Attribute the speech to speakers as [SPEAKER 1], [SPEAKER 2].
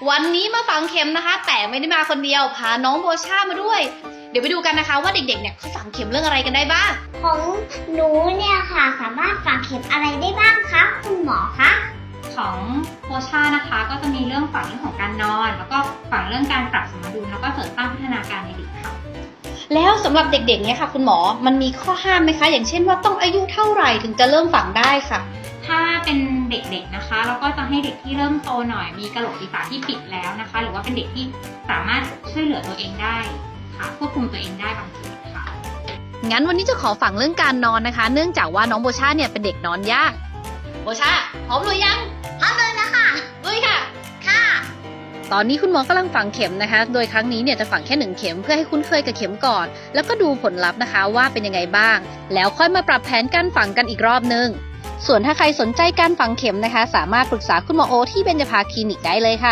[SPEAKER 1] วันนี้มาฝังเข็มนะคะ แต่ไม่ได้มาคนเดียวพาน้องโบชามาด้วยเดี๋ยวไปดูกันนะคะว่าเด็กๆเนี่ยเขาฝังเข็มเรื่องอะไรกันได้บ้าง
[SPEAKER 2] ของหนูเนี่ยค่ะสามารถฝังเข็มอะไรได้บ้างคะคุณหมอคะ
[SPEAKER 3] ของโบชานะคะก็จะมีเรื่องฝังเรื่องของการนอนแล้วก็ฝังเรื่องการปรับสมดุลแล้วก็เสริมสร้างพัฒนาการในเด็กค่ะ
[SPEAKER 1] แล้วสำหรับเด็กๆเนี่ยค่ะคุณหมอมันมีข้อห้ามไหมคะอย่างเช่นว่าต้องอายุเท่าไหร่ถึงจะเริ่มฝังได้ค่ะ
[SPEAKER 3] ถ้าเป็นเด็กๆนะคะเราก็จะให้เด็กที่เริ่มโตหน่อยมีกระโหลกศีรษะที่ปิดแล้วนะคะหรือว่าเป็นเด็กที่สามารถช่วยเหลือตัวเองได้ค่ะควบคุมตัวเองได้บางทีค่ะ
[SPEAKER 1] งั้นวันนี้จะขอฝังเรื่องการนอนนะคะเนื่องจากว่าน้องโบชาเนี่ยเป็นเด็กนอนยากโบชาพร้อมหรือยัง
[SPEAKER 2] พร้อมเลยนะคะ
[SPEAKER 1] ลุยค่ะ
[SPEAKER 2] ค่ะ
[SPEAKER 1] ตอนนี้คุณหมอกำลังฝังเข็มนะคะโดยครั้งนี้เนี่ยจะฝังแค่1เข็มเพื่อให้คุ้นเคยกับเข็มก่อนแล้วก็ดูผลลัพธ์นะคะว่าเป็นยังไงบ้างแล้วค่อยมาปรับแผนการฝังกันอีกรอบนึงส่วนถ้าใครสนใจการฝังเข็มนะคะสามารถปรึกษาคุณหมอโอที่เบญจภาคลินิกได้เลยค่ะ